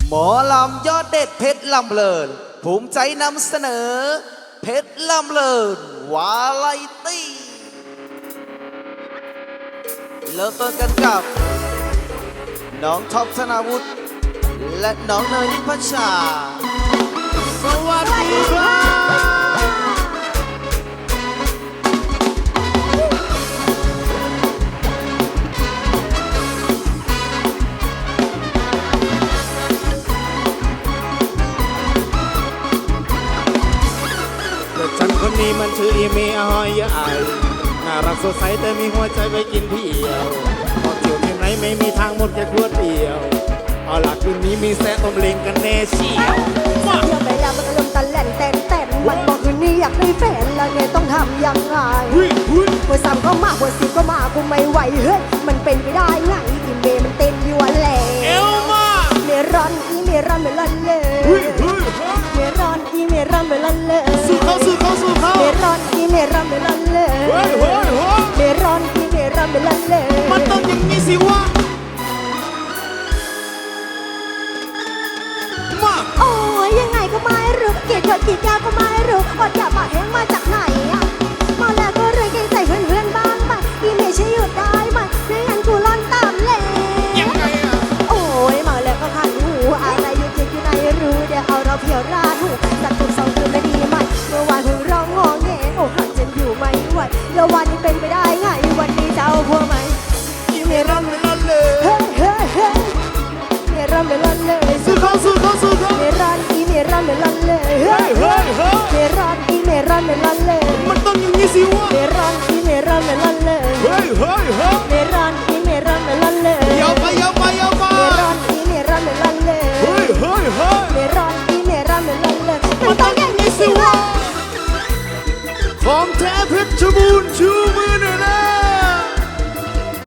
หมอลำยอดเด็ดเพชรลำเลินภูมิใจนำเสนอเพชรลำเลินวาไรตี้เริ่มต้นกันกับน้องท็อปธนาวุฒิและน้องเนยนิพัชชาสวัสดีครับฉันคนนี้มันชื่ออีเมย์อ้อยใหญ่น่ารักสดใสแต่มีหัวใจไปกินเที่ยวพอเที่ยวที่ไหนไม่มีทางหมดแค่ขวดเดียวเอาล่ะคืนนี้มีแซ่ต้มเล้งกันแน่เชียวเที่ยวไปแล้วมันก็ลมตะแหล่นแต่มันบอกคืนนี้อยากได้แฟนแล้วไงต้องทำยังไงหัวสามก็มาหัวสิบก็มากูไม่ไหวเฮ้ยมันเป็นไปได้ไงอีเมย์มันเต้นอยู่แหละเอวมาเมรอนอีเมรอนเมรอนเลยเมรอนอีเมรอนเมรอนเลยสู้เขาเมรอนอีเมรอนเมรอนเลยเมรอนอีเมรอนเมรอนเลยมันต้องอย่างนี้สิวะมาโอ้ยยังไงก็ไม่รู้เกลียดคนกี่แก้วก็ไม่รู้อดอยากมาแห้งมาจากไหนอะมาแล้วก็เลยเกรงใจเพื่อนบ้างไปอีเมย์ช่วยหยุดได้ไหมไม่งั้นกูร้อนตามเลยยังไงอะโอ้ยมาแล้วก็ขันหูอะไรอยู่จริงอยู่ในรู้เดี๋ยวเอาเราเพียวราดหูสักตุ่มสองคืนไม่ดีไหมเมื่อวานเพิ่งร้องงอแงโอ้หันจนอยู่ไม่ไหวแล้ววันนี้เป็นไปได้ไงวันนี้จะเอาพวกไหมอีเมรอนเมรอนเลยเฮ้เฮ้เฮ้เมรอนเมรอนเลยสู้เขาเมรอนอีเมรอนเมรอนเลยเฮ้เมรอนอีเมรอนเมรอนเลยมันต้องอย่างนี้สิวะเมรอนอีเมรอนเมรอนเลยเฮ้ยเมรอนอีเมรอนเมรอนเลยยาวไปเมรอนอีเมรอนเมรอนเลยเฮ้ยเมรอนอีเมรอนเมรอนเลยมันต้องอย่างนี้สิวะของแท้เพชรบูรณ์ชูมือหนึ่ง